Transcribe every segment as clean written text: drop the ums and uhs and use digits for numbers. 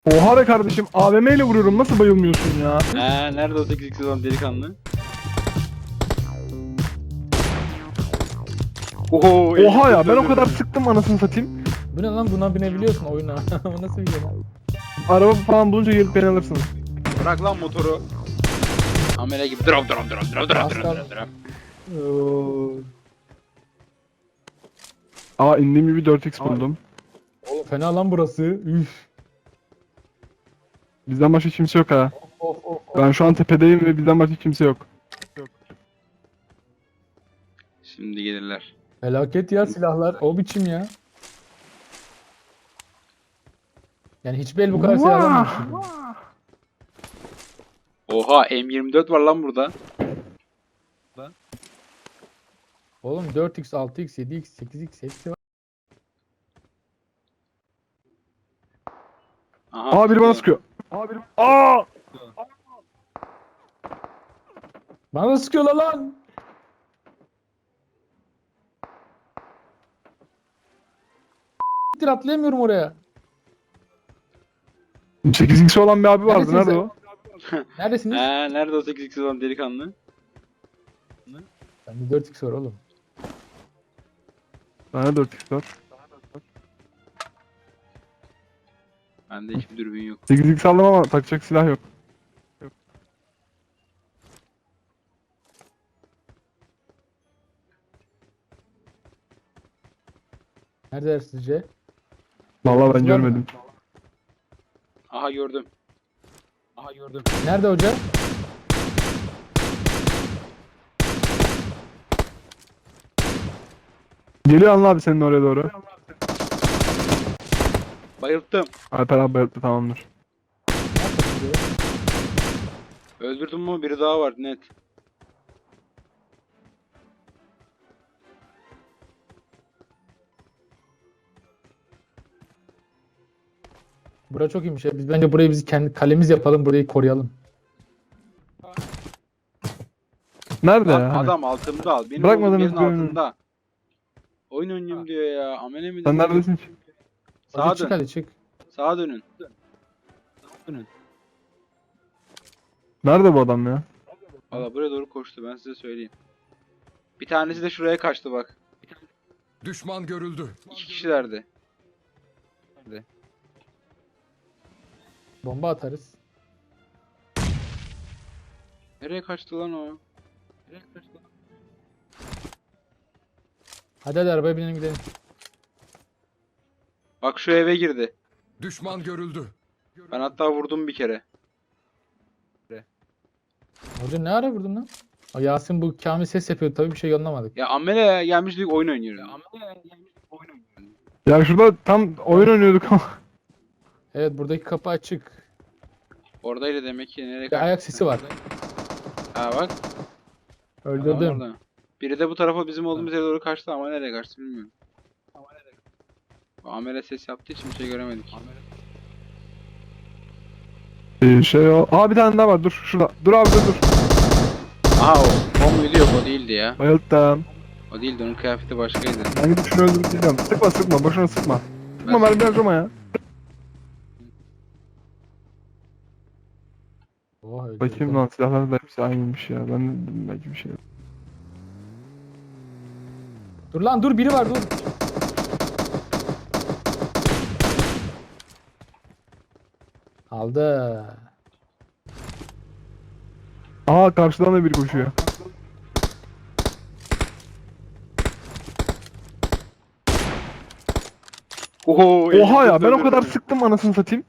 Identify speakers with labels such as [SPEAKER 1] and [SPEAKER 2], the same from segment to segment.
[SPEAKER 1] Oha be kardeşim, AVM ile vuruyorum, nasıl bayılmıyorsun ya?
[SPEAKER 2] Nerede o 8x olan delikanlı? Oho,
[SPEAKER 1] Oha ya, ben o
[SPEAKER 2] öldürdüm.
[SPEAKER 1] kadar sıktım anasını satayım.
[SPEAKER 3] Bu ne lan, buna binebiliyorsun oyuna. O nasıl bir şey lan?
[SPEAKER 1] Araba falan bulunca gelip beni alırsınız.
[SPEAKER 2] Bırak lan motoru. Amele gibi drop.
[SPEAKER 3] Aslan.
[SPEAKER 1] Aa, indiğim gibi 4x buldum.
[SPEAKER 3] Oğlum fena lan burası. Üf.
[SPEAKER 1] Bizden başka kimse yok ha.
[SPEAKER 3] Of.
[SPEAKER 1] Ben şu an tepedeyim ve bizden başka kimse yok.
[SPEAKER 2] Şimdi gelirler.
[SPEAKER 3] Felaket ya silahlar. O biçim ya. Yani hiçbir el bu kadar silah alamamış.
[SPEAKER 2] Oha, M24 var lan burada.
[SPEAKER 3] Oğlum 4x, 6x, 7x, 8x hepsi var.
[SPEAKER 2] Aha.
[SPEAKER 1] Aa, biri bana sıkıyor. Aa!
[SPEAKER 3] Bana da sıkıyorlar lan. S**tir, atlayamıyorum oraya.
[SPEAKER 1] 8x olan bir abi vardı,
[SPEAKER 3] Neredesiniz
[SPEAKER 1] nerede
[SPEAKER 3] ya?
[SPEAKER 1] o?
[SPEAKER 3] Neredesiniz?
[SPEAKER 2] Nerede o 8x olan delikanlı?
[SPEAKER 3] Bende 4x var oğlum.
[SPEAKER 1] Bende 4x var.
[SPEAKER 2] Bende hiçbir dürbün yok.
[SPEAKER 1] 8x aldım ama takacak silah yok.
[SPEAKER 3] Neredeler sizce?
[SPEAKER 1] Vallahi ben
[SPEAKER 3] Var mı?
[SPEAKER 1] görmedim.
[SPEAKER 2] Aha gördüm.
[SPEAKER 3] Nerede hoca?
[SPEAKER 1] Geliyor Anıl abi senin oraya doğru.
[SPEAKER 2] Bayılttım.
[SPEAKER 1] Alper abi bayılttı, tamamdır.
[SPEAKER 2] Öldürdüm mü? Biri daha var net.
[SPEAKER 3] Bura çok iyiymiş ya. Biz bence burayı biz kendi kalemiz yapalım. Burayı koruyalım.
[SPEAKER 1] Nerede
[SPEAKER 2] Lan
[SPEAKER 1] ya? Hani?
[SPEAKER 2] adam altımda al. Benim
[SPEAKER 1] Bırakmadınız
[SPEAKER 2] olduğum yerin
[SPEAKER 1] bir oyunu.
[SPEAKER 2] altında. Oyun oynayayım diyor ya. Amele mi
[SPEAKER 1] Sen
[SPEAKER 2] diyor?
[SPEAKER 1] neredesin ki?
[SPEAKER 2] Sağa
[SPEAKER 3] Hadi çık,
[SPEAKER 2] dön.
[SPEAKER 3] hadi çık.
[SPEAKER 2] Sağa dönün. Dönün.
[SPEAKER 1] Nerede bu adam ya?
[SPEAKER 2] Valla buraya doğru koştu, ben size söyleyeyim. Bir tanesi de şuraya kaçtı bak.
[SPEAKER 4] Düşman görüldü.
[SPEAKER 2] 2 kişilerdi.
[SPEAKER 3] Bomba atarız.
[SPEAKER 2] Nereye kaçtı lan o?
[SPEAKER 3] Hadi arabaya binelim gidelim.
[SPEAKER 2] Bak şu eve girdi.
[SPEAKER 4] Düşman görüldü.
[SPEAKER 2] Ben hatta vurdum bir kere.
[SPEAKER 3] Hoca ne ara vurdun lan? O Yasin bu Kamil ses yapıyor, tabii bir şey anlamadık.
[SPEAKER 2] Ya Amele gelmiş diyor oyun oynuyoruz.
[SPEAKER 1] Ya şurada tam oyun oynuyorduk ama.
[SPEAKER 3] Evet, buradaki kapı açık.
[SPEAKER 2] Oradaydı demek ki, nereye
[SPEAKER 3] Bir
[SPEAKER 2] kaçtı?
[SPEAKER 3] ayak sesi var.
[SPEAKER 2] Ha bak. Adam
[SPEAKER 3] Öldürdüm.
[SPEAKER 2] orada. Biri de bu tarafa bizim olduğumuz yere doğru kaçtı ama nereye kaçtı bilmiyorum. Amele ses yaptığı için bir şey göremedik.
[SPEAKER 1] Şey o. Aa, bir tane daha var, dur şurada. Dur abi, dur.
[SPEAKER 2] Aha o muydu, yok o değildi ya.
[SPEAKER 1] Bayılttım.
[SPEAKER 2] O değildi, onun kıyafeti başkaydı.
[SPEAKER 1] Ben gidip şunu öldürüp gideceğim. Sıkma, boşuna sıkma. Sıkma, mermi harcama ya.
[SPEAKER 3] Oha, öldürdüm.
[SPEAKER 1] Bakayım lan, silahlar da hepsi aynıymış ya. Ben de dedim belki bir şey.
[SPEAKER 3] Dur lan, dur, biri var, dur. Aldı.
[SPEAKER 1] Aa, karşıdan da biri koşuyor.
[SPEAKER 2] Oho,
[SPEAKER 1] Oha ya, ben o kadar sıktım anasını satayım.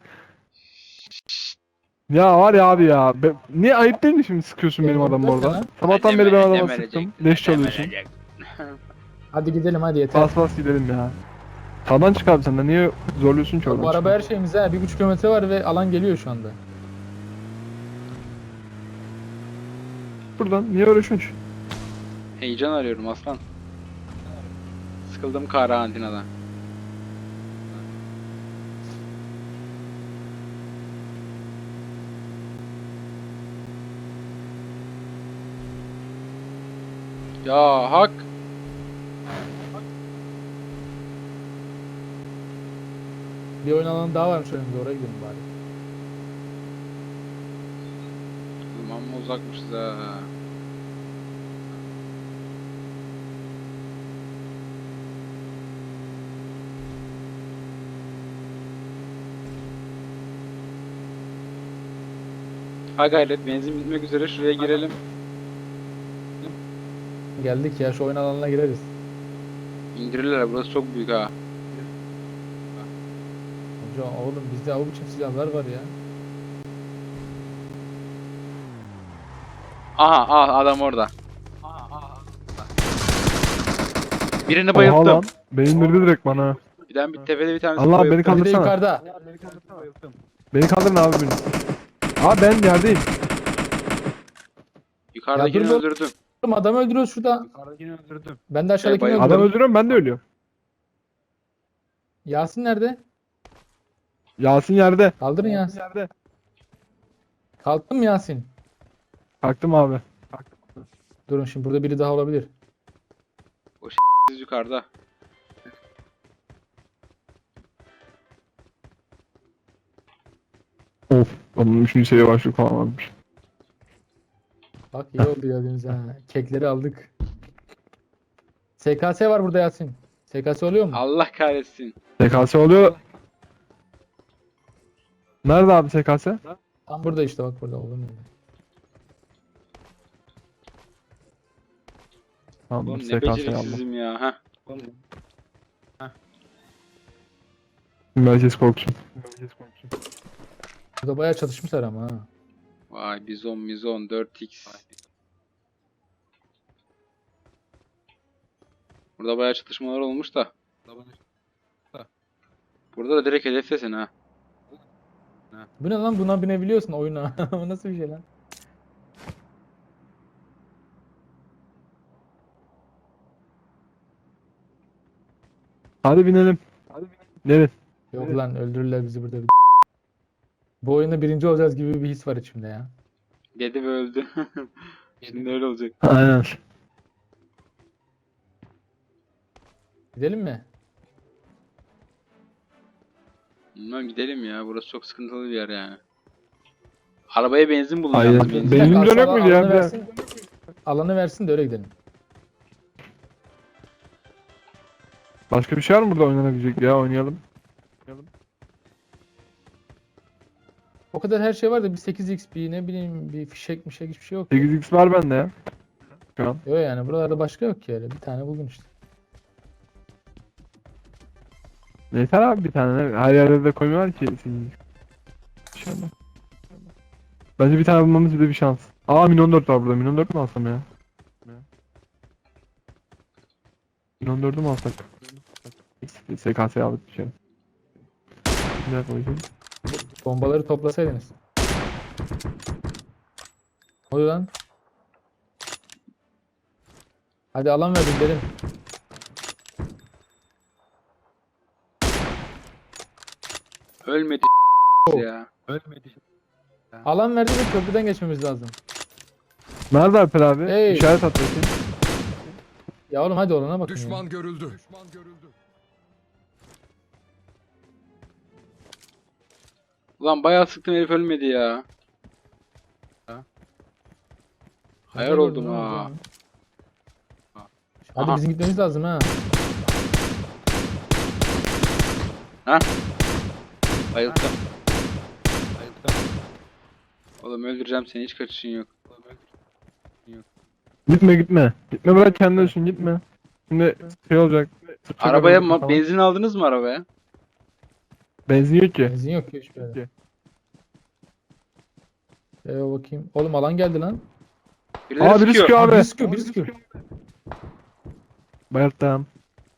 [SPEAKER 1] Ya var ya abi ya. Niye, ayıp değil mi şimdi sıkıyorsun benim adamı orada?
[SPEAKER 3] Lan.
[SPEAKER 1] Sabahtan beri ben adama sıktım. Leş çalıyorsun.
[SPEAKER 3] Hadi gidelim, hadi yeter.
[SPEAKER 1] Bas gidelim ya. Sağdan çık abi sen de. Niye zorluyorsun ki oradan?
[SPEAKER 3] Bu araba her şeyimiz ha. 1,5 kilometre var ve alan geliyor şu anda.
[SPEAKER 1] Buradan niye uğraşıyorsun ki?
[SPEAKER 2] Heyecan arıyorum aslan. Sıkıldım karantinadan. Ya hak.
[SPEAKER 3] Bir oyun alanı daha varmış önümüzde, oraya gidelim bari.
[SPEAKER 2] Amma uzakmışız ha. Ha gayret, benzin bitmek üzere, şuraya girelim.
[SPEAKER 3] Geldik ya, şu oyun alanına gireriz.
[SPEAKER 2] İndirirler, burası çok büyük ha.
[SPEAKER 3] Hocam oğlum bizde o biçim silahlar var ya.
[SPEAKER 2] Aha adam orada. Birini
[SPEAKER 1] Oha
[SPEAKER 2] bayılttım.
[SPEAKER 1] lan. Beni indirdi direkt bana.
[SPEAKER 2] Bir tepede bir tanesi
[SPEAKER 1] Allah, beni
[SPEAKER 2] bayılttım.
[SPEAKER 3] Bir de
[SPEAKER 1] Kaldırsana.
[SPEAKER 3] yukarıda.
[SPEAKER 1] Beni kaldırın abi beni. Abi ben yerdeyim.
[SPEAKER 2] Yukarıdakini
[SPEAKER 3] Ya dur,
[SPEAKER 2] öldürdüm.
[SPEAKER 3] Oğlum adamı öldürüyoruz şurada. Ben de aşağıdakini
[SPEAKER 2] bayıldım.
[SPEAKER 1] Adam
[SPEAKER 3] öldürüyorum.
[SPEAKER 1] öldürüyorum, ben de ölüyorum.
[SPEAKER 3] Yasin nerede?
[SPEAKER 1] Yasin yerde.
[SPEAKER 3] Kaldırın Yasin.
[SPEAKER 1] Yerde.
[SPEAKER 3] Kalktın mı Yasin?
[SPEAKER 1] Kalktım abi.
[SPEAKER 3] Durun, şimdi burada biri daha olabilir.
[SPEAKER 2] Siz yukarıda.
[SPEAKER 1] Of. Onun üçüncü seviye başlık falan varmış.
[SPEAKER 3] Bak iyi oldu gördüğünüz ha. Kekleri aldık. SKS var burada Yasin. SKS oluyor mu?
[SPEAKER 2] Allah kahretsin.
[SPEAKER 1] SKS oluyor. Nerede abi SKS?
[SPEAKER 3] Tam burada işte, bak burada olur mu?
[SPEAKER 1] Tamam,
[SPEAKER 2] Oğlum ne
[SPEAKER 1] SKS aldım.
[SPEAKER 2] beceriksizim ya. Heh.
[SPEAKER 1] Merkez korksun.
[SPEAKER 3] Burada bayağı çatışmışlar ama ha.
[SPEAKER 2] Vay bizon 4x. Burada bayağı çatışmalar olmuş da. Burada da direkt hedeftesin ha.
[SPEAKER 3] Bu ne lan, buna binebiliyorsun oyuna. Bu nasıl bir şey lan?
[SPEAKER 1] Hadi binelim. Gelin.
[SPEAKER 3] Yok lan, öldürürler bizi burada. Bu oyunda birinci olacağız gibi bir his var içimde ya.
[SPEAKER 2] Dedi ve öldü. Şimdi öyle olacak.
[SPEAKER 1] Aynen.
[SPEAKER 3] Gidelim mi?
[SPEAKER 2] Bilmem, gidelim ya. Burası çok sıkıntılı bir yer yani. Arabaya benzin bulun
[SPEAKER 1] Aynen.
[SPEAKER 2] yalnız, benzin.
[SPEAKER 1] Benim
[SPEAKER 3] Bir dakika,
[SPEAKER 1] dönek miydi ya?
[SPEAKER 3] alanı
[SPEAKER 1] Bir
[SPEAKER 3] versin. Alanı versin de öyle gidelim.
[SPEAKER 1] Başka bir şey var mı burada oynanabilecek ya? Oynayalım.
[SPEAKER 3] O kadar her şey var da bir 8x, bir ne bileyim, bir fişek hiçbir şey yok.
[SPEAKER 1] 8x var bende ya. Şu an.
[SPEAKER 3] Yok yani, buralarda başka yok ki öyle. Bir tane buldum işte.
[SPEAKER 1] Yeter abi bir tane. Her yerde de koymuyorlar ki. 8x. İnşallah. Bence bir tane bulmamız bir de bir şans. Aa, Minon 4 var burada. Minon 4 mü alsam ya? Minon 4'ü mü alsak? SKS'ye aldık bir şey. Ne koyacağım?
[SPEAKER 3] Bombaları toplasaydınız. Ne oluyor lan? Hadi alan verin dedim.
[SPEAKER 2] Ölmedi ya.
[SPEAKER 3] Alan verdi de köprüden geçmemiz lazım.
[SPEAKER 1] Nerede Alper abi?
[SPEAKER 3] Hey.
[SPEAKER 1] İşaret at bakayım.
[SPEAKER 3] Ya oğlum hadi olana bakın ya.
[SPEAKER 4] Düşman görüldü. Düşman görüldü.
[SPEAKER 2] Ulan bayağı sıktım, herif ölmedi ya. Hayal
[SPEAKER 3] Nerede
[SPEAKER 2] oldum
[SPEAKER 3] gördün lan
[SPEAKER 2] ha.
[SPEAKER 3] o zaman? Hadi
[SPEAKER 2] Aha.
[SPEAKER 3] bizim gitmemiz lazım ha.
[SPEAKER 2] Bayıldım. Oğlum öldüreceğim seni, hiç kaçışın yok.
[SPEAKER 1] Gitme gitme. Gitme, bırak kendi ölsün, gitme. Şimdi şey olacak. sıkacak
[SPEAKER 2] Arabaya
[SPEAKER 1] arabayı falan.
[SPEAKER 2] benzin aldınız mı arabaya?
[SPEAKER 1] Benzin yok ki.
[SPEAKER 3] Benzin yok ki hiçbir yerde.
[SPEAKER 1] Yok.
[SPEAKER 3] Bakayım. Oğlum alan geldi lan.
[SPEAKER 2] Birileri
[SPEAKER 1] Aa, biri sıkıyor abi.
[SPEAKER 3] Biri sıkıyor, biri sıkıyor.
[SPEAKER 1] Bayılttım.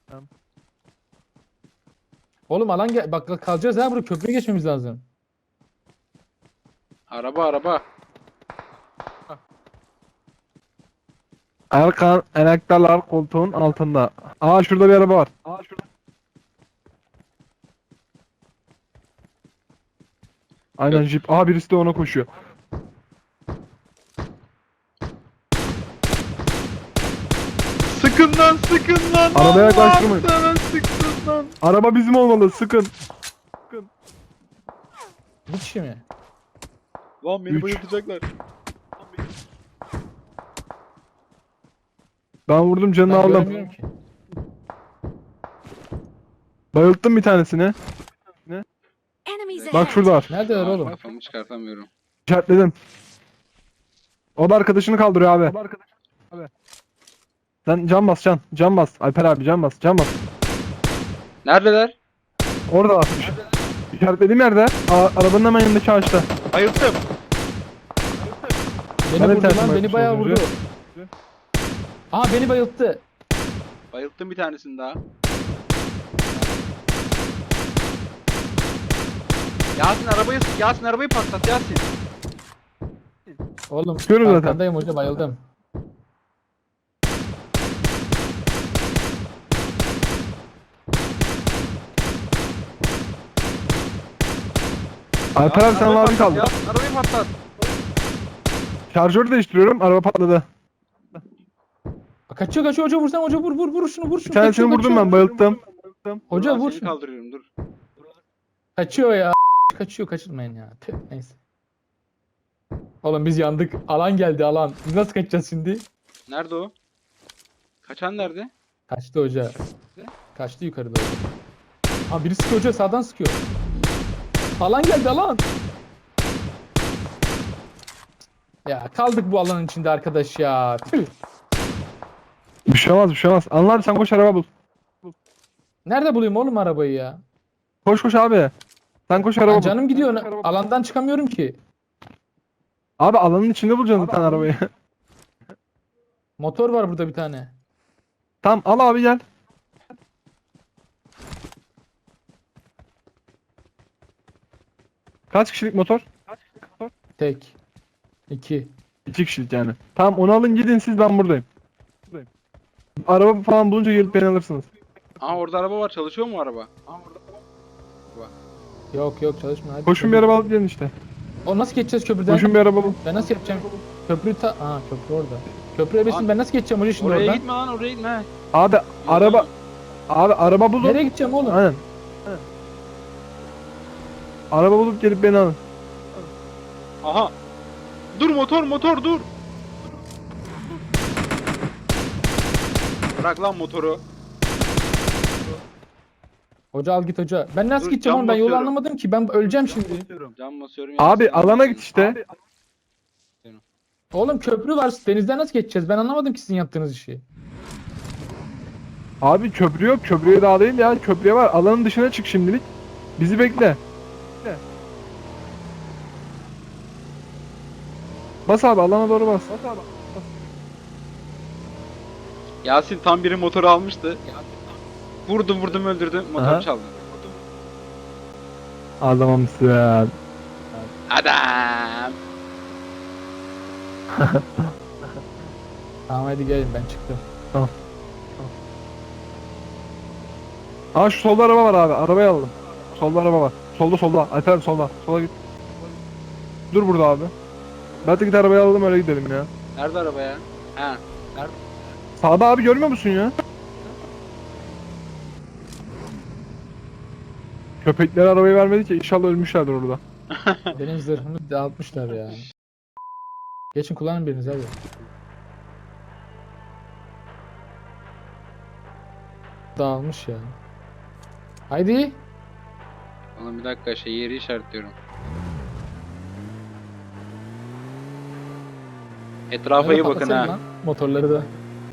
[SPEAKER 3] Oğlum alan gel. Bak kalacağız ha, burada köprüye geçmemiz lazım.
[SPEAKER 2] Araba.
[SPEAKER 1] Erkan enektarlar koltuğun altında. Aa, şurada bir araba var. Aynen,
[SPEAKER 2] Yok.
[SPEAKER 1] jip. Aa, birisi de ona koşuyor.
[SPEAKER 2] Sıkın lan.
[SPEAKER 1] Arabaya yaklaştırmayın.
[SPEAKER 2] Sana sıktın lan.
[SPEAKER 1] Araba bizim olmalı, sıkın.
[SPEAKER 3] Bir kişi mi?
[SPEAKER 2] Lan beni
[SPEAKER 1] Üç.
[SPEAKER 2] bayıltacaklar.
[SPEAKER 1] Ben vurdum, canını
[SPEAKER 3] Ben
[SPEAKER 1] aldım.
[SPEAKER 3] göremiyorum ki.
[SPEAKER 1] Bayılttım bir tanesini.
[SPEAKER 5] Enemies
[SPEAKER 1] Bak
[SPEAKER 5] ahead.
[SPEAKER 1] şurada var.
[SPEAKER 3] Neredeler
[SPEAKER 2] Aa,
[SPEAKER 3] oğlum?
[SPEAKER 2] kafamı çıkartamıyorum.
[SPEAKER 1] İşaretledim. O da arkadaşını kaldırıyor abi. Sen can bas can. Can bas. Alper abi can bas. Can bas.
[SPEAKER 2] Neredeler?
[SPEAKER 1] Orada var. İşaretlediğim yerde. Arabanın hemen yanındaki ağaçta.
[SPEAKER 2] Bayılttım.
[SPEAKER 3] Beni
[SPEAKER 1] Ben de
[SPEAKER 3] vurdu
[SPEAKER 1] tersim
[SPEAKER 3] lan, beni
[SPEAKER 1] yapmış
[SPEAKER 3] bayağı
[SPEAKER 1] az
[SPEAKER 3] vurdu.
[SPEAKER 1] önce.
[SPEAKER 3] Aha beni bayılttı.
[SPEAKER 2] Bayılttım bir tanesini daha. Yasin arabayı patlat Yasin.
[SPEAKER 3] Oğlum
[SPEAKER 1] Sıkıyorum zaten.
[SPEAKER 3] arkandayım hoca, bayıldım.
[SPEAKER 1] Alper abi sen
[SPEAKER 2] Arabayı
[SPEAKER 1] abi
[SPEAKER 2] patlat,
[SPEAKER 1] kaldı.
[SPEAKER 2] Yasin arabayı patlat.
[SPEAKER 1] Şarjörü değiştiriyorum. Araba patladı.
[SPEAKER 3] Kaçıyor kaçıyor hoca, vursan hoca, vur şunu, vur
[SPEAKER 1] Bir
[SPEAKER 3] şunu.
[SPEAKER 1] tanesini
[SPEAKER 3] Kaçıyor,
[SPEAKER 1] vurdum
[SPEAKER 3] kaçıyor.
[SPEAKER 1] ben. Bayılttım.
[SPEAKER 3] Hoca
[SPEAKER 2] Dur lan,
[SPEAKER 3] vur
[SPEAKER 2] seni
[SPEAKER 3] şunu.
[SPEAKER 2] kaldırıyorum dur.
[SPEAKER 3] Kaçıyor ya. Kaçıyor, kaçırmayın ya. Tüh, neyse. Oğlum biz yandık. Alan geldi, alan. Biz nasıl kaçacağız şimdi?
[SPEAKER 2] Nerede o? Kaçan nerede?
[SPEAKER 3] Kaçtı hoca. Kaçtı yukarı doğru. Ha biri sıkıyor hoca, sağdan sıkıyor. Alan geldi, alan. Ya kaldık bu alanın içinde arkadaş ya. Tüh.
[SPEAKER 1] Bir şey olmaz, bir şey olmaz. Anıl abi sen koş araba bul.
[SPEAKER 3] Nerede bulayım oğlum arabayı ya?
[SPEAKER 1] Koş koş abi. Sen koş araba
[SPEAKER 3] Lan
[SPEAKER 1] bul.
[SPEAKER 3] canım gidiyor. Alandan çıkamıyorum ki.
[SPEAKER 1] Abi alanın içinde bulacaksın zaten arabayı.
[SPEAKER 3] Motor var burada bir tane.
[SPEAKER 1] Tamam al abi gel. Kaç kişilik motor?
[SPEAKER 3] Tek. 2.
[SPEAKER 1] 2 kişilik yani. Tamam onu alın gidin siz, ben buradayım. Araba falan bulunca gelip beni alırsınız.
[SPEAKER 2] Aa orada araba var, çalışıyor mu araba?
[SPEAKER 3] Yok yok, çalışmıyor. Hadi.
[SPEAKER 1] Koşun bir araba alıp gelin işte.
[SPEAKER 3] O nasıl geçeceğiz köprüden?
[SPEAKER 1] Koşun bir araba bul.
[SPEAKER 3] Ben nasıl yapacağım? Köprü köprü orada. Köprüye besin, ben nasıl geçeceğim hoca şimdi
[SPEAKER 2] Oraya
[SPEAKER 3] oradan?
[SPEAKER 2] gitme lan, oraya gitme.
[SPEAKER 1] Abi araba araba bulun.
[SPEAKER 3] Nereye gideceğim oğlum?
[SPEAKER 1] Aynen. Araba bulup gelip beni alın.
[SPEAKER 2] Aha. Dur motor dur. Bırak lan motoru.
[SPEAKER 3] Hoca al git hoca. Ben nasıl
[SPEAKER 2] Dur,
[SPEAKER 3] gideceğim
[SPEAKER 2] cam
[SPEAKER 3] oğlum? Ben yolu
[SPEAKER 2] basıyorum.
[SPEAKER 3] anlamadım ki. Ben öleceğim şimdi.
[SPEAKER 2] Can basıyorum.
[SPEAKER 1] Abi
[SPEAKER 2] Yasin.
[SPEAKER 1] alana git işte.
[SPEAKER 3] Oğlum köprü var. Denizden nasıl geçeceğiz? Ben anlamadım ki sizin yaptığınız işi.
[SPEAKER 1] Abi köprü yok. Köprüye daha değil ya. Köprüye var. Alanın dışına çık şimdilik. Bizi bekle. Bas abi alana doğru bas.
[SPEAKER 2] Yasin tam biri motoru almıştı. Vurdum öldürdüm. Motoru
[SPEAKER 1] Aha.
[SPEAKER 2] çaldı.
[SPEAKER 1] Adamımsın.
[SPEAKER 2] Adam.
[SPEAKER 3] Tamam hadi gelin, ben çıktım.
[SPEAKER 1] Aa şu solda araba var abi. Arabayı alalım. Solda araba var. Solda. Alper abi solda. Sola git. Dur burada abi. Ben de git arabayı alalım öyle gidelim ya.
[SPEAKER 2] Nerede araba ya? Ha.
[SPEAKER 1] Sağda abi görmüyor musun ya? Köpekler arabayı vermedi ki, inşallah ölmüşlerdir orada.
[SPEAKER 3] Benim zırhımı dağıtmışlar ya. Geçin kullanın biriniz hadi. Dağılmış ya. Haydi.
[SPEAKER 2] Oğlum bir dakika yeri işaretliyorum. Etrafa iyi bakın
[SPEAKER 3] Patlasana
[SPEAKER 2] ha.
[SPEAKER 3] lan, motorları da.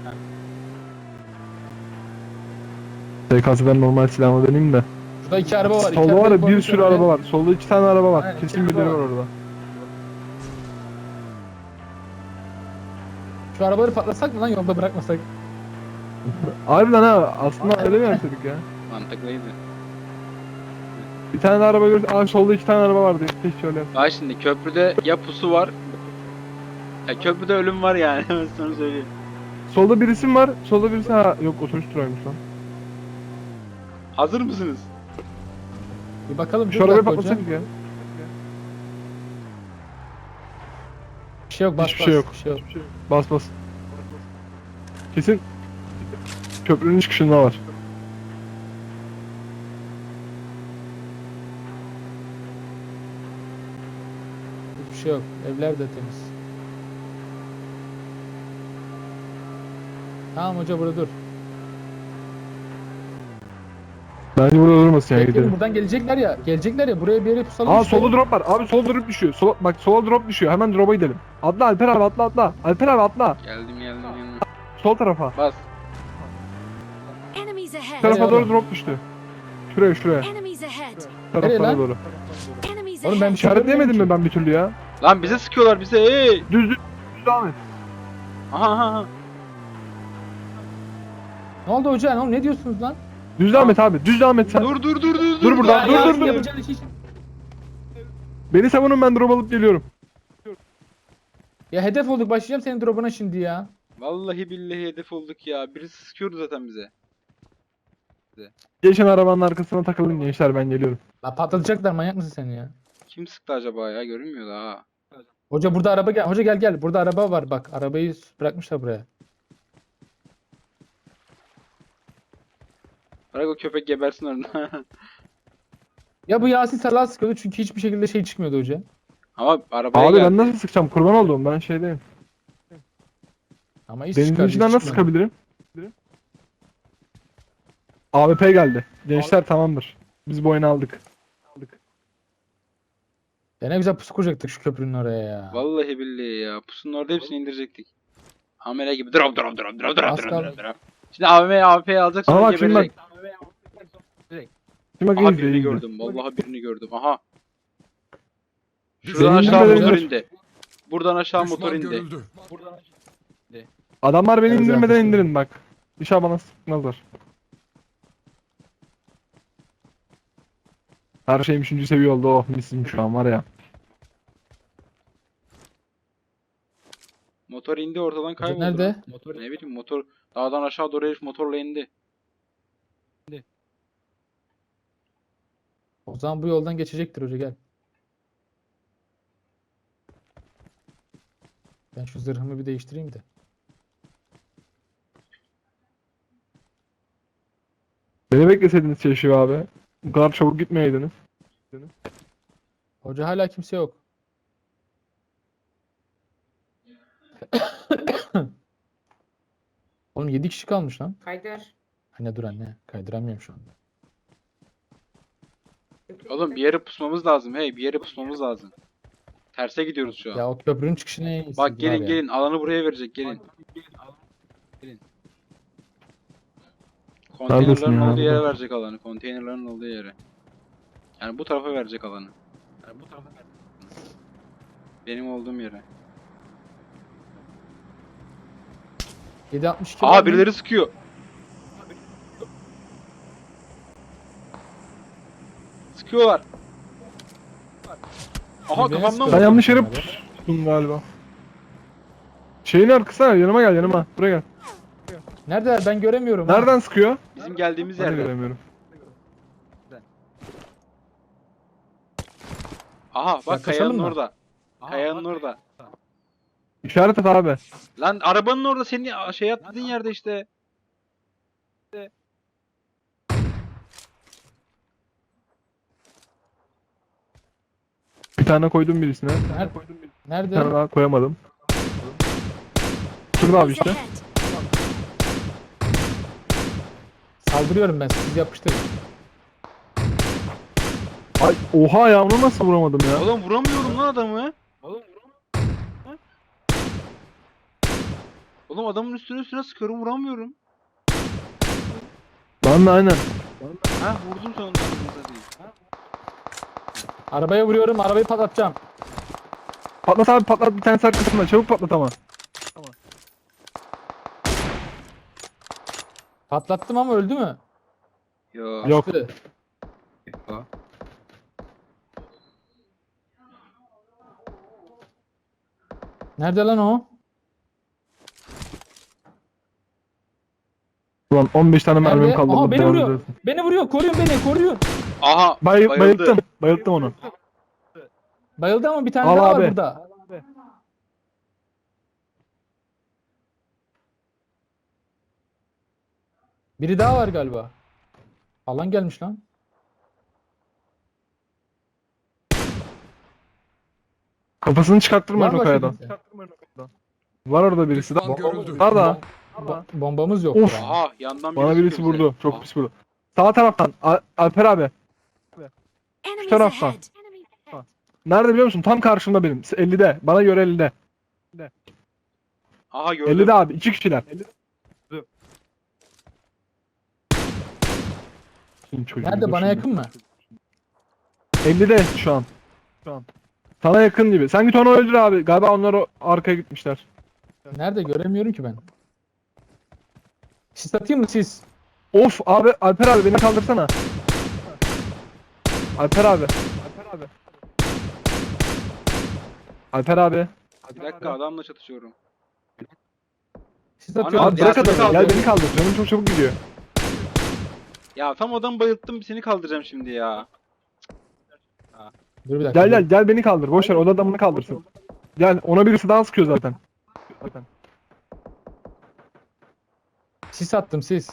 [SPEAKER 1] SKS'den normal silahla döneyim de.
[SPEAKER 3] Şurada 2 araba var.
[SPEAKER 1] Solda var ya bir sürü araba var. Solda 2 tane araba var.
[SPEAKER 3] Aynen,
[SPEAKER 1] Kesin
[SPEAKER 3] iki
[SPEAKER 1] birileri
[SPEAKER 3] araba
[SPEAKER 1] var
[SPEAKER 3] var.
[SPEAKER 1] orada.
[SPEAKER 3] Şu arabaları patlasak mı lan, yolda bırakmasak?
[SPEAKER 1] Harbiden ha, aslında öyle mi yapıyorduk ya?
[SPEAKER 2] Mantıklıydı.
[SPEAKER 1] Bir tane de araba görürsün. Aa solda 2 tane araba vardı. Keşke şöyle yap.
[SPEAKER 2] Bak şimdi köprüde ya pusu var. Ya köprüde ölüm var yani. Ben sana söyleyeyim.
[SPEAKER 1] Solda birisi mi var? Solda birisi ha. Yok otobüs durağıymış lan.
[SPEAKER 2] Hazır mısınız?
[SPEAKER 3] Bir bakalım.
[SPEAKER 1] Şu
[SPEAKER 3] dur
[SPEAKER 1] arabayı
[SPEAKER 3] dakika hocam.
[SPEAKER 1] patlatsak ya.
[SPEAKER 3] Bir şey yok, bas
[SPEAKER 1] Hiçbir
[SPEAKER 3] bas.
[SPEAKER 1] şey yok.
[SPEAKER 3] Bir şey yok.
[SPEAKER 1] Bas bas. Kesin köprünün çıkışında var.
[SPEAKER 3] Hiçbir şey yok. Evler de temiz. Tamam hoca burada dur.
[SPEAKER 1] Bence burada durmasın ya
[SPEAKER 3] Bekleyin
[SPEAKER 1] gidelim.
[SPEAKER 3] buradan gelecekler ya. Gelecekler ya buraya bir yere pusalım.
[SPEAKER 1] Aa
[SPEAKER 3] işte.
[SPEAKER 1] solda drop var. Abi sola drop düşüyor. Bak sola drop düşüyor. Hemen drop'a gidelim. Atla Alper abi atla. Alper abi atla.
[SPEAKER 2] Geldim.
[SPEAKER 1] Sol tarafa.
[SPEAKER 2] Bas.
[SPEAKER 5] Enemies
[SPEAKER 1] Bu
[SPEAKER 5] ahead!
[SPEAKER 1] tarafa doğru
[SPEAKER 3] oğlum?
[SPEAKER 1] drop düştü. Şuraya.
[SPEAKER 5] Enemies ahead!
[SPEAKER 1] Bu
[SPEAKER 3] Nereye
[SPEAKER 1] tarafa
[SPEAKER 3] lan?
[SPEAKER 1] doğru.
[SPEAKER 5] Enemies
[SPEAKER 3] Oğlum ben
[SPEAKER 5] ahead!
[SPEAKER 3] bir şey
[SPEAKER 1] İşaretleyemedim
[SPEAKER 3] görmüyorum
[SPEAKER 1] mi ben bir türlü ya?
[SPEAKER 2] Lan bize sıkıyorlar bize. Hey.
[SPEAKER 1] Düz devam et.
[SPEAKER 2] Aha.
[SPEAKER 3] Ne oldu hoca? Ne diyorsunuz lan?
[SPEAKER 1] Düz devam et abi. Düz devam et sen.
[SPEAKER 2] Dur.
[SPEAKER 1] Dur buradan,
[SPEAKER 3] Ya,
[SPEAKER 1] dur.
[SPEAKER 3] yapacağın iş için.
[SPEAKER 1] Beni savunun ben drop alıp geliyorum.
[SPEAKER 3] Ya hedef olduk başlayacağım senin drop'una şimdi ya.
[SPEAKER 2] Vallahi billahi hedef olduk ya. Birisi sıkıyordu zaten bize.
[SPEAKER 1] Geçen arabanın arkasına takılın gençler ben geliyorum.
[SPEAKER 3] La patlatacaklar manyak mısın sen ya?
[SPEAKER 2] Kim sıktı acaba ya? Görünmüyor daha.
[SPEAKER 3] Hoca burada araba gel. Hoca gel. Burada araba var bak. Arabayı bırakmışlar buraya.
[SPEAKER 2] Bırak o köpek gebersin orada.
[SPEAKER 3] Ya bu Yasin salağa sıkıyordu çünkü hiçbir şekilde şey çıkmıyordu hoca.
[SPEAKER 2] Ama arabaya
[SPEAKER 1] Abi
[SPEAKER 2] geldi.
[SPEAKER 1] ben nasıl sıkacağım? Kurban olduğum ben şeydeyim.
[SPEAKER 3] Ama iş
[SPEAKER 1] Denizin
[SPEAKER 3] çıkar.
[SPEAKER 1] içinden nasıl sıkabilirim? AWP geldi. Gençler tamamdır. Biz bu oyunu aldık.
[SPEAKER 3] Ya ne güzel pusu kuracaktık şu köprünün oraya ya.
[SPEAKER 2] Vallahi billahi ya. Pusunun orada hepsini indirecektik. Amele gibi drop.
[SPEAKER 3] Az kaldı.
[SPEAKER 2] Şimdi AWP'yi alacak
[SPEAKER 1] Ama
[SPEAKER 2] sonra
[SPEAKER 1] bak şimdi bak.
[SPEAKER 2] geberecek.
[SPEAKER 1] Şimdi bak
[SPEAKER 2] Aha
[SPEAKER 1] izle,
[SPEAKER 2] birini
[SPEAKER 1] izle.
[SPEAKER 2] gördüm. Vallahi birini gördüm. Aha.
[SPEAKER 1] Senin
[SPEAKER 2] Şuradan aşağı
[SPEAKER 1] indirmeden
[SPEAKER 2] motor
[SPEAKER 1] indir.
[SPEAKER 2] indi. Buradan aşağı motor
[SPEAKER 4] Düşman
[SPEAKER 2] indi.
[SPEAKER 4] görüldü.
[SPEAKER 1] Adamlar beni
[SPEAKER 3] Evet,
[SPEAKER 1] indirmeden
[SPEAKER 3] zaten.
[SPEAKER 1] indirin bak. İnşallah bana sıkmazlar. Her şeyim 3. seviye oldu. Oh misim şu an var ya.
[SPEAKER 2] Motor indi ortadan
[SPEAKER 3] Hoca
[SPEAKER 2] kayboldu.
[SPEAKER 3] nerede?
[SPEAKER 2] lan. Ne bileyim motor dağdan aşağı doğru herif motorla indi.
[SPEAKER 3] O zaman bu yoldan geçecektir hoca gel. Ben şu zırhımı bir değiştireyim de.
[SPEAKER 1] Beni bekleseydiniz Çeşiv abi. Bu kadar çabuk gitmeyeydiniz.
[SPEAKER 3] Hoca hala kimse yok. Oğlum 7 kişi kalmış lan.
[SPEAKER 6] Haydar.
[SPEAKER 3] Anne dur anne. Kaydıramıyorum şu anda.
[SPEAKER 2] Oğlum bir yere pusmamız lazım. Hey bir yere pusmamız lazım. Terse gidiyoruz şu an.
[SPEAKER 3] Ya o köprünün çıkışına en iyisi
[SPEAKER 2] Bak
[SPEAKER 3] var
[SPEAKER 2] gelin
[SPEAKER 3] ya.
[SPEAKER 2] gelin alanı buraya verecek gelin. Konteynerların
[SPEAKER 1] ya?
[SPEAKER 2] olduğu yere verecek alanı. Konteynerların olduğu yere. Yani bu tarafa verecek alanı. Benim olduğum yere.
[SPEAKER 3] 762 var
[SPEAKER 2] Aa
[SPEAKER 3] mı?
[SPEAKER 2] birileri sıkıyor. Sıkıyorlar. Aha
[SPEAKER 3] Beni
[SPEAKER 2] kafamdan
[SPEAKER 3] sıkıyor.
[SPEAKER 2] vurdu.
[SPEAKER 1] Ben yanlış yere pustum galiba. Şeyin arkasına yanıma gel yanıma. Buraya gel.
[SPEAKER 3] Nerede? Ben göremiyorum. ha.
[SPEAKER 1] Nereden sıkıyor?
[SPEAKER 2] Bizim geldiğimiz
[SPEAKER 1] Ben de
[SPEAKER 2] yerde.
[SPEAKER 1] göremiyorum.
[SPEAKER 2] Aha bak
[SPEAKER 3] Yaklaşalım
[SPEAKER 2] kayanın
[SPEAKER 3] mı?
[SPEAKER 2] orada. Kayanın orada.
[SPEAKER 1] İşaret et abi.
[SPEAKER 2] Lan arabanın orada senin şey atladığın yerde işte.
[SPEAKER 1] Bir tane koydum birisine.
[SPEAKER 3] Nerede?
[SPEAKER 1] Bir tane daha koyamadım. Şurada abi
[SPEAKER 5] Enemies
[SPEAKER 1] işte.
[SPEAKER 5] ahead!
[SPEAKER 3] Saldırıyorum ben. Siz yapıştırın.
[SPEAKER 1] Ay oha ya onu nasıl vuramadım ya?
[SPEAKER 2] Oğlum vuramıyorum lan adamı. Oğlum adamın üstüne sıkıyorum vuramıyorum.
[SPEAKER 1] Ben de aynen.
[SPEAKER 2] Ha vurdum sonunda.
[SPEAKER 3] Arabaya vuruyorum. Arabayı patlatacağım.
[SPEAKER 1] Patlat abi patlat bir tanesi arkasında. Çabuk patlat ama.
[SPEAKER 3] Patlattım ama öldü mü?
[SPEAKER 2] Yo.
[SPEAKER 1] Yok.
[SPEAKER 3] Öldü. Nerede lan o?
[SPEAKER 1] Ulan 15 tane mermim
[SPEAKER 3] Nerede?
[SPEAKER 1] kaldı.
[SPEAKER 3] Aha
[SPEAKER 1] Allah
[SPEAKER 3] beni
[SPEAKER 1] belanı
[SPEAKER 3] vuruyor.
[SPEAKER 1] versin.
[SPEAKER 3] Beni vuruyor. Koruyun beni. Koruyun.
[SPEAKER 2] Aha bayıldı.
[SPEAKER 1] Bayılttım. Bayılttım onu.
[SPEAKER 3] Bayıldı ama bir tane
[SPEAKER 1] Al
[SPEAKER 3] daha var
[SPEAKER 1] abi.
[SPEAKER 3] burada. Biri daha var galiba. Alan gelmiş lan.
[SPEAKER 1] Kafasını çıkarttırmayın
[SPEAKER 3] Var
[SPEAKER 1] o
[SPEAKER 3] başka
[SPEAKER 1] kayadan.
[SPEAKER 3] kimse.
[SPEAKER 1] Var orada birisi de.
[SPEAKER 4] Düşman görüldü.
[SPEAKER 1] Var da.
[SPEAKER 3] Bombamız yok.
[SPEAKER 1] Of.
[SPEAKER 2] Aha yandan
[SPEAKER 1] Bana birisi
[SPEAKER 2] sıkıyor bize.
[SPEAKER 1] vurdu. Çok pis vurdu. Sağ taraftan. Alper abi.
[SPEAKER 5] Enemies
[SPEAKER 1] taraftan.
[SPEAKER 5] ahead.
[SPEAKER 1] Nerede biliyor musun? Tam karşımda benim. 50'de. Bana göre 50'de.
[SPEAKER 2] Aha gördüm.
[SPEAKER 1] 50'de abi. 2 kişiler. Senin çocuğun
[SPEAKER 3] Nerede,
[SPEAKER 1] dur
[SPEAKER 3] bana
[SPEAKER 1] şimdi.
[SPEAKER 3] yakın mı?
[SPEAKER 1] 50'de şu an. Sana yakın gibi. Sen git onu öldür abi. Galiba onlar o arkaya gitmişler.
[SPEAKER 3] Nerede, göremiyorum ki ben. Sis atayım mı sis?
[SPEAKER 1] Of abi Alper abi beni kaldırsana. Alper abi. Alper abi. Alper abi.
[SPEAKER 2] Bir dakika adamla çatışıyorum.
[SPEAKER 3] Sis
[SPEAKER 2] Ana,
[SPEAKER 3] atıyorum.
[SPEAKER 1] Abi bırak
[SPEAKER 2] Yasin'i
[SPEAKER 1] adamı. Gel
[SPEAKER 2] kaldır.
[SPEAKER 1] beni kaldır. Canım çok çabuk gidiyor.
[SPEAKER 2] Ya tam adamı bayılttım seni kaldıracağım şimdi ya.
[SPEAKER 3] Dur bir dakika.
[SPEAKER 1] Gel beni kaldır. Boş ver o da adamını kaldırsın. Gel ona birisi daha sıkıyor zaten.
[SPEAKER 3] Sis attım sis.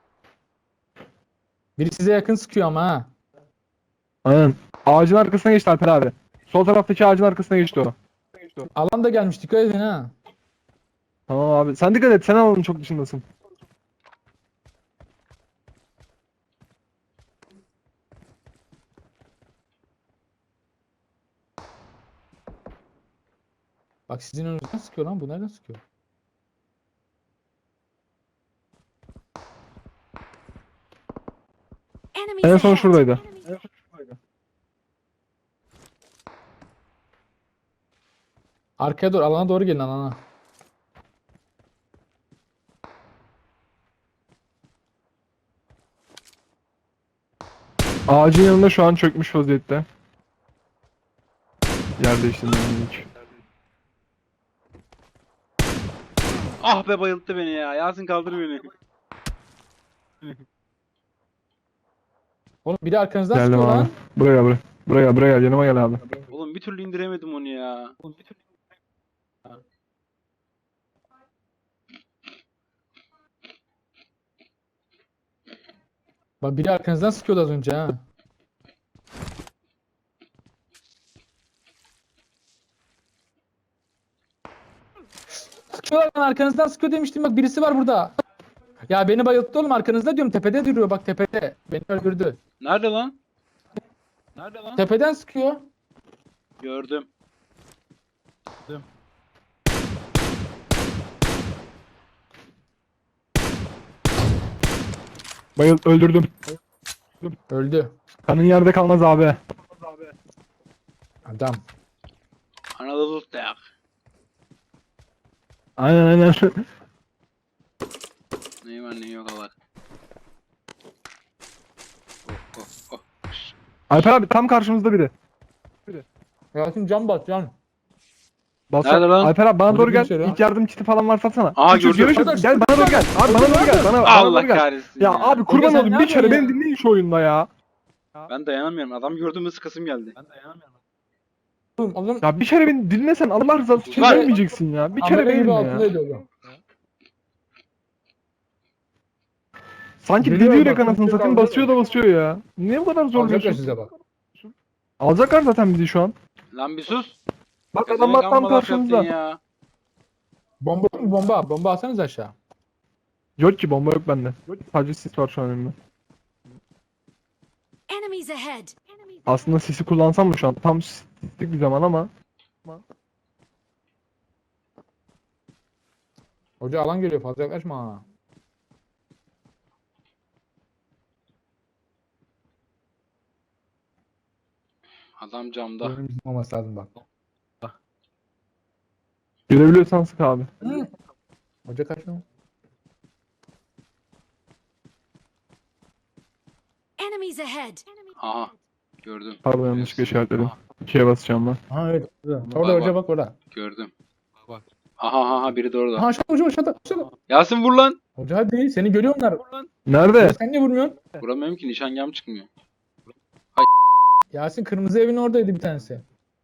[SPEAKER 3] Biri size yakın sıkıyor ama ha.
[SPEAKER 1] Aynen. Ağacın arkasına geçti Alper abi. Sol taraftaki ağacın arkasına geçti o.
[SPEAKER 3] Alan da gelmiş, dikkat edin ha.
[SPEAKER 1] Tamam abi. Sen dikkat et. Sen alanın çok dışındasın.
[SPEAKER 3] Bak sizin önünüzden sıkıyor lan, bu nereden sıkıyor?
[SPEAKER 5] Enemies
[SPEAKER 1] En son
[SPEAKER 5] ahead.
[SPEAKER 1] şuradaydı.
[SPEAKER 3] Arkaya doğru, alana doğru gelin, alana.
[SPEAKER 1] Ağacın yanında şu an çökmüş vaziyette. Yer değiştirmeden hiç.
[SPEAKER 2] Ah be bayılttı beni ya. Yasin kaldır beni.
[SPEAKER 3] Oğlum biri arkanızdan
[SPEAKER 1] Geldim
[SPEAKER 3] sıkıyor
[SPEAKER 1] abi.
[SPEAKER 3] lan.
[SPEAKER 1] Buraya gel. Yanıma gel abi.
[SPEAKER 2] Oğlum bir türlü indiremedim onu ya.
[SPEAKER 3] Bak biri arkanızdan sıkıyordu az önce ha. Sıkıyorlar lan, arkanızdan sıkıyor demiştim, bak birisi var burada. Ya beni bayılttı oğlum, arkanızda diyorum, tepede duruyor bak, tepede. Beni öldürdü.
[SPEAKER 2] Nerede lan? Nerede lan?
[SPEAKER 3] Tepeden sıkıyor.
[SPEAKER 2] Gördüm.
[SPEAKER 1] Öldürdüm.
[SPEAKER 3] Öldü.
[SPEAKER 1] Kanın yerde kalmaz abi.
[SPEAKER 3] Adam.
[SPEAKER 2] Anadolu dayak.
[SPEAKER 1] Aynen.
[SPEAKER 2] Neyi var neyi yok Allah. Oh.
[SPEAKER 1] Alper abi tam karşımızda biri.
[SPEAKER 3] Yasin can bas can.
[SPEAKER 2] Nerede lan?
[SPEAKER 1] Alper abi bana
[SPEAKER 3] Orada
[SPEAKER 1] doğru gel.
[SPEAKER 3] kimse yok.
[SPEAKER 1] İlk yardım kiti falan varsa atsana.
[SPEAKER 2] Aa,
[SPEAKER 1] Üç, üç,
[SPEAKER 2] gördüm.
[SPEAKER 1] yürü, yürü. Gel bana doğru gel. Abi bana doğru gel. Bana
[SPEAKER 2] Allah
[SPEAKER 1] doğru gel.
[SPEAKER 2] kahretsin
[SPEAKER 1] Ya abi kurban
[SPEAKER 3] Hoca sen
[SPEAKER 1] olayım
[SPEAKER 3] ne
[SPEAKER 1] bir kere
[SPEAKER 3] yapıyorsun
[SPEAKER 1] beni dinleyin şu oyunda ya.
[SPEAKER 2] Ben dayanamıyorum. Adam gördüğümde sıkasım geldi.
[SPEAKER 3] Oğlum
[SPEAKER 1] Ya bir kere beni dinlesen Allah rızası için
[SPEAKER 2] Var.
[SPEAKER 1] ölmeyeceksin ya. Bir kere
[SPEAKER 3] amele gibi
[SPEAKER 1] benimle
[SPEAKER 3] altında
[SPEAKER 1] ya.
[SPEAKER 3] ediyor.
[SPEAKER 1] Sanki
[SPEAKER 3] Biliyorum
[SPEAKER 1] deli
[SPEAKER 3] bak,
[SPEAKER 1] yürek anasını
[SPEAKER 3] kimse
[SPEAKER 1] satayım
[SPEAKER 3] kaldı.
[SPEAKER 1] basıyor da basıyor ya. Niye bu kadar
[SPEAKER 3] Alacaklar
[SPEAKER 1] zorluyorsun?
[SPEAKER 3] size bak.
[SPEAKER 1] Alacaklar zaten bizi şu an.
[SPEAKER 2] Lan bir sus.
[SPEAKER 1] Bak
[SPEAKER 2] Pezevenk
[SPEAKER 1] adamlar tam
[SPEAKER 2] amma laf yaptın
[SPEAKER 1] karşımızda.
[SPEAKER 2] ya.
[SPEAKER 3] Bomba mı bomba? Bomba atsanız aşağı.
[SPEAKER 1] Yok ki bomba yok bende. Sadece sis var şu an elimde.
[SPEAKER 5] Enemies ahead.
[SPEAKER 1] Aslında sisi kullansam mı şu an? Tam sislik bir zaman ama.
[SPEAKER 3] Hoca alan geliyor, fazla yaklaşma ha.
[SPEAKER 2] Adam camda.
[SPEAKER 3] Oyunun bizim olması lazım bak.
[SPEAKER 1] Görebiliyorsan sık abi.
[SPEAKER 3] Hoca kaçma.
[SPEAKER 5] Enemies ahead.
[SPEAKER 2] Aha. Gördüm.
[SPEAKER 1] Pardon yanlışlıkla işaretledim. 2'ye basacağım ben.
[SPEAKER 3] Ha evet. Orada
[SPEAKER 2] Bak,
[SPEAKER 3] hoca bak orada.
[SPEAKER 2] Gördüm. Aha biri de orada.
[SPEAKER 3] Ha aşağıda hoca aşağıda.
[SPEAKER 2] Yasin vur lan.
[SPEAKER 3] Hoca hadi, seni görüyorlar.
[SPEAKER 1] Nerede?
[SPEAKER 3] Sen niye vurmuyorsun?
[SPEAKER 2] Vuramıyorum ki nişangahım çıkmıyor.
[SPEAKER 3] Yasin kırmızı evin oradaydı bir tanesi.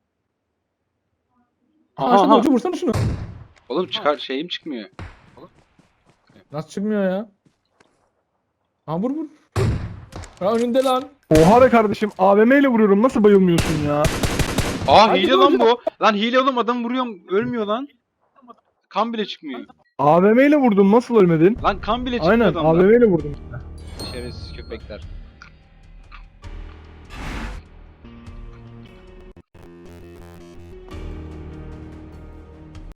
[SPEAKER 3] Ha
[SPEAKER 2] Aha,
[SPEAKER 3] aşağıda
[SPEAKER 2] aha.
[SPEAKER 3] hoca, vursana şunu.
[SPEAKER 2] Oğlum çıkar şeyim çıkmıyor.
[SPEAKER 3] Nasıl çıkmıyor ya? Ha vur. Ha önünde lan.
[SPEAKER 1] Oha be kardeşim AVM ile vuruyorum nasıl bayılmıyorsun ya?
[SPEAKER 2] Aa
[SPEAKER 3] Hadi
[SPEAKER 2] hile
[SPEAKER 3] vur
[SPEAKER 2] lan
[SPEAKER 3] hocam.
[SPEAKER 2] bu. Lan hile oğlum adam vuruyorum ölmüyor lan. Kan bile çıkmıyor.
[SPEAKER 1] AVM ile vurdum, nasıl ölmedin?
[SPEAKER 2] Lan kan bile çıkıyor
[SPEAKER 1] Aynen
[SPEAKER 2] adamdan.
[SPEAKER 1] AVM ile vurdum.
[SPEAKER 2] Şerefsiz köpekler.